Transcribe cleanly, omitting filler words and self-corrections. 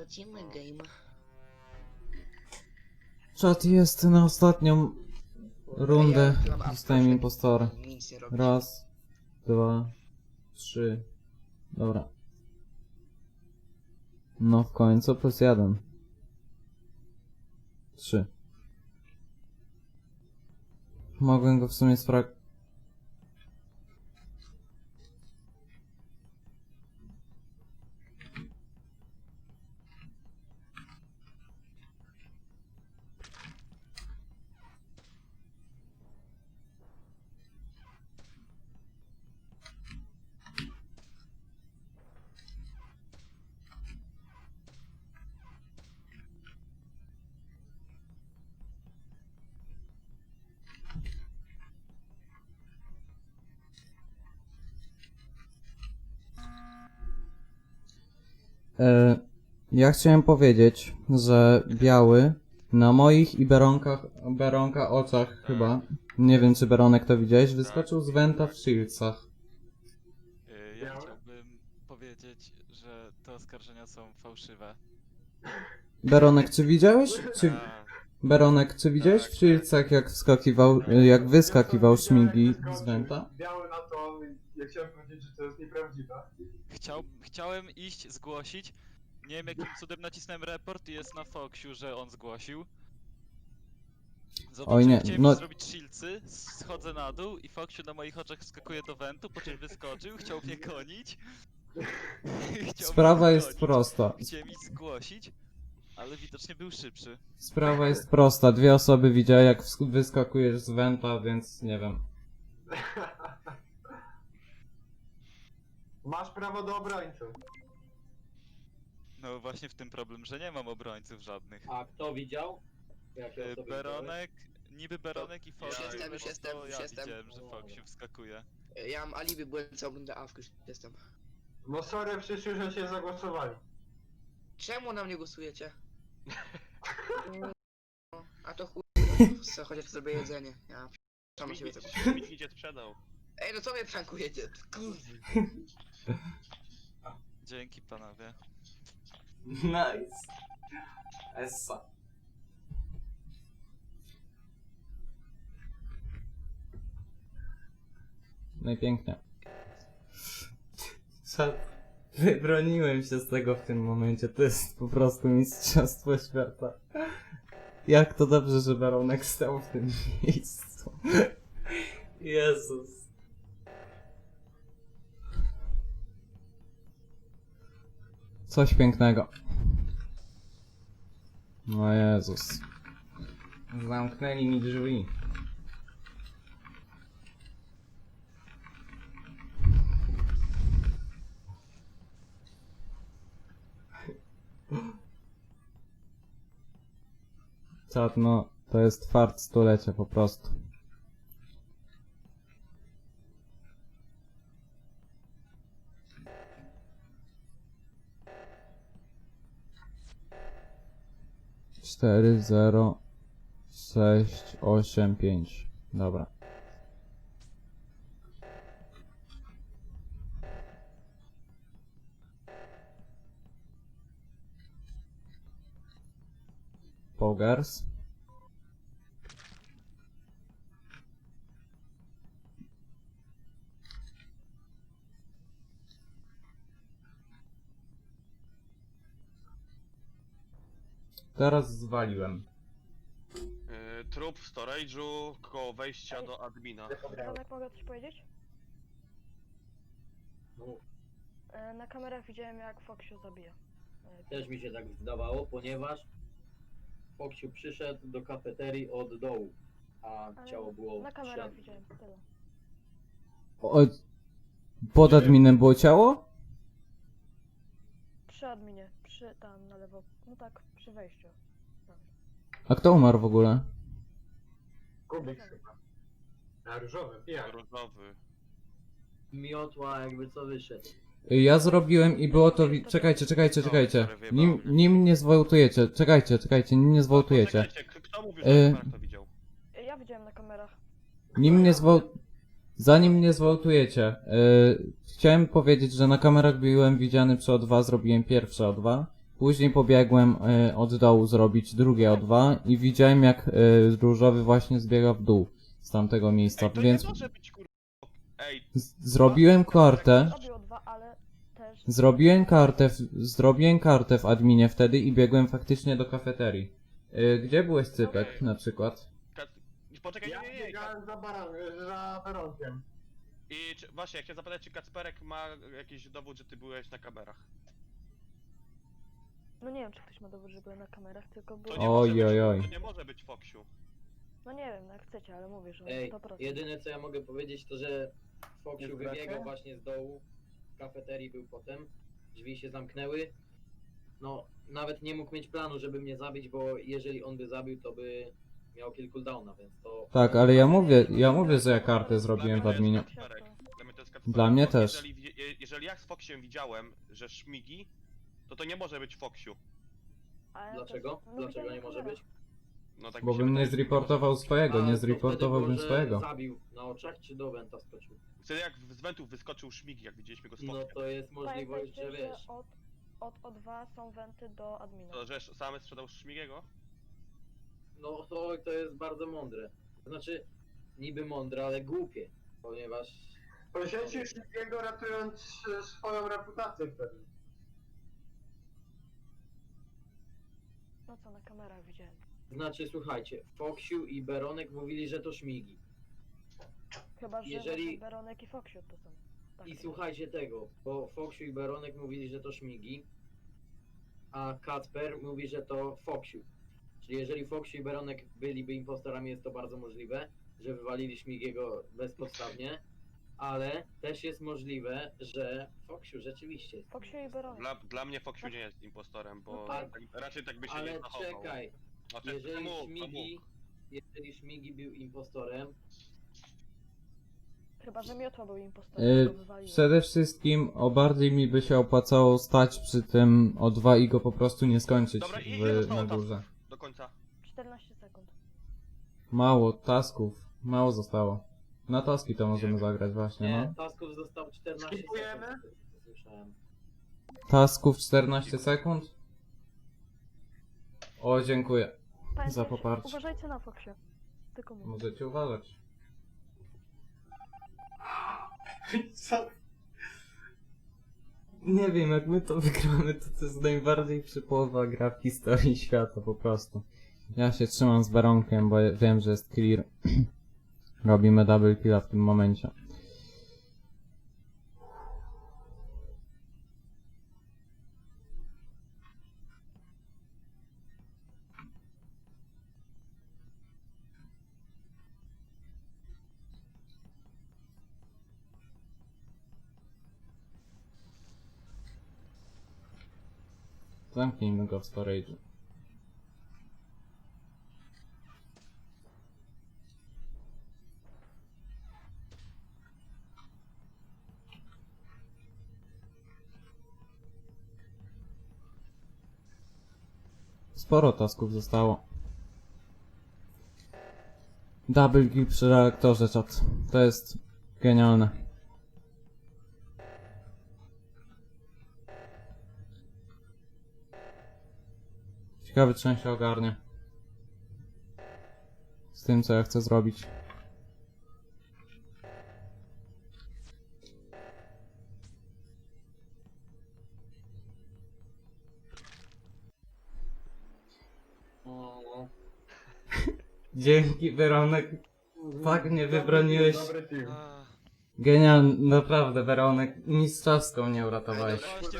Prowadzimy game. Czat jest na ostatnią rundę. Ja mam Zostałem proszę, impostora. nic nie robić. Raz, dwa, trzy. Dobra. No w końcu plus jeden. Trzy. Mogłem go w sumie ja chciałem powiedzieć, że biały na moich i Beronka oczach chyba, nie wiem czy Beronek to widziałeś, wyskoczył z Venta w Shieldsach. Ja chciałbym powiedzieć, że te oskarżenia są fałszywe. Beronek, czy widziałeś? Beronek, czy widziałeś w Shieldsach jak wyskakiwał Śmigi z Venta? Biały na to, ja chciałem powiedzieć, że to jest nieprawdziwe. Chciałem iść, zgłosić. Nie wiem jakim cudem nacisnąłem report i jest na Foxiu, że on zgłosił. Oj nie, Chciałem no- zrobić shieldsy, schodzę na dół i Foxiu na moich oczach wskakuje do wentu, po czym wyskoczył, chciał mnie gonić. Sprawa jest prosta. Chciałem iść zgłosić, ale widocznie był szybszy. Sprawa jest prosta. Dwie osoby widziały jak wyskakujesz z Venta, więc nie wiem. Masz prawo do obrońcy. No właśnie w tym problem, że nie mam obrońców żadnych. A kto widział? Jakie osoby Beronek, niby Beronek i Foxiu, Już jestem, już to jestem, już ja jestem. widziałem, że Foxiu wskakuje. Ja mam alibi, byłem całą rundę AFK, już jestem. No sorry, wszyscy już się zagłosowali. Czemu na mnie głosujecie? A to chuj, co, chociaż zrobię jedzenie. Ja sam siebie tego. Nikt cię sprzedał. Ej, no co mnie prankujecie? Kurwa. Dzięki panowie. Nice. Essa. No i pięknie. Wybroniłem się z tego w tym momencie. To jest po prostu mistrzostwo świata. Jak to dobrze, że Baronek stał w tym miejscu. Jezus. Coś pięknego. No Jezus. Zamknęli mi drzwi. Czad, no, to jest fart stulecia po prostu. Cztery, 0, 6, 8, 5. Dobra. Pogers. Teraz zwaliłem. Trup w storage'u koło wejścia do admina. Janek, mogę coś powiedzieć? Mów. Na kamerach widziałem jak Foxiu zabija. Też mi się tak wydawało, ponieważ Foxiu przyszedł do kafeterii od dołu, a Ale ciało było Na kamerach przed. widziałem, tyle. O, pod adminem było ciało? Przy adminie, przy tam na lewo, no tak, przy wejściu. A kto umarł w ogóle? Kubik chyba. Na różowym, ja. Różowy. Miotła jakby co wyszedł. Ja zrobiłem i było to... Czekajcie. Nim nie zwołtujecie. Czekajcie, nim nie zwołtujecie. Poczekajcie, kto mówił, że to widział? Ja widziałem na kamerach. Zanim nie zwołtujecie, chciałem powiedzieć, że na kamerach byłem widziany przy O2, zrobiłem pierwsze O2. Później pobiegłem od dołu zrobić drugie O2 i widziałem jak różowy właśnie zbiega w dół z tamtego miejsca, Ej, to więc nie może być kurwa. Ej, zrobiłem kartę. Zrobił dwa, ale też... Zrobiłem kartę w adminie wtedy i biegłem faktycznie do kafeterii. Gdzie byłeś, Cypek, Okej. na przykład? poczekaj, Ja nie. biegałem za Weronkiem. I właśnie, ja chciałem zapytać, czy Kacperek ma jakiś dowód, że ty byłeś na kamerach? No nie wiem, czy ktoś ma dowód, że byłem na kamerach, tylko To było... nie może być, Oj. to nie może być Foksiu. No nie wiem, jak chcecie, ale mówię, że Ej, 100%. jedyne co ja mogę powiedzieć to, że Foksiu Jest wybiegał brakę? właśnie z dołu, w kafeterii był potem, drzwi się zamknęły. No, nawet nie mógł mieć planu, żeby mnie zabić, bo jeżeli on by zabił, to by miał kill cooldowna, więc to... Tak, ale ja mówię, że ja kartę zrobiłem w adminie. Dla mnie to jest Kacperek. Dla mnie Bo też. Jeżeli ja z Foksiem widziałem, że szmigi, to nie może być Foksiu. Ale Dlaczego? też- no Dlaczego widziałem nie na może kamerach. być? No tak Bo mi się bym nie wydaje. zreportował swojego, nie A, to zreportowałbym wtedy było, że swojego. zabił na oczach, czy do Wenta skoczył? Wtedy jak z wentów wyskoczył szmigi, jak widzieliśmy go z No Foksiem. to jest możliwość, że Pamiętajcie, wiesz... od O2 są wenty do admina. To, że sam sprzedał szmigiego? No to jest bardzo mądre. To znaczy, niby mądre, ale głupie, ponieważ... Poświęcisz jego ratując swoją reputację wtedy. No co, na kamerach widziałem. Znaczy, słuchajcie, Foksiu i Beronek mówili, że to szmigi. Chyba, że Jeżeli- właśnie Beronek i Foxiu to są. Tak, I to słuchajcie tego, bo Foksiu i Beronek mówili, że to szmigi, a Kacper mówi, że to Foksiu. Czyli jeżeli Foksiu i Beronek byliby impostorami, jest to bardzo możliwe, że wywalili szmigiego bezpodstawnie, ale też jest możliwe, że Foksiu rzeczywiście jest. Foxiu i Beronek. Dla mnie Foksiu nie jest impostorem, bo No tak. raczej tak by się nie Ale zachował. czekaj, Znaczy, jeżeli Szmigi był impostorem, Chyba, że Miotła był impostorem, go wywaliło. Przede wszystkim bardziej mi by się opłacało stać przy tym O2 i go po prostu nie skończyć Dobra, ile na zostało górze. tasków do końca? 14 sekund. Mało tasków, mało zostało. Na taski to możemy zagrać właśnie, nie, no. tasków zostało 14 Skipujemy? sekund, z tego, co słyszałem. Tasków 14 sekund? O, dziękuję. Pamiętajcie, poparcie. uważajcie na Foxiu. Tylko mówię. Możecie uważać. Co? Nie wiem, jak my to wygramy, to jest najbardziej przypołowa gra w historii świata, po prostu. Ja się trzymam z Baronkiem, bo wiem, że jest clear. Robimy double killa w tym momencie. Zamknijmy go w storage'u. Sporo tasków zostało. Double kill przy reaktorze, czat. To jest genialne. Ciekawy, czy on się ogarnie. Z tym, co ja chcę zrobić. O, Dzięki, Weronek. Tak mnie wybroniłeś. Dobry team. Ach, Genialnie, naprawdę, Weronek. Mistrzowską mnie ej, uratowałeś. dobra, właśnie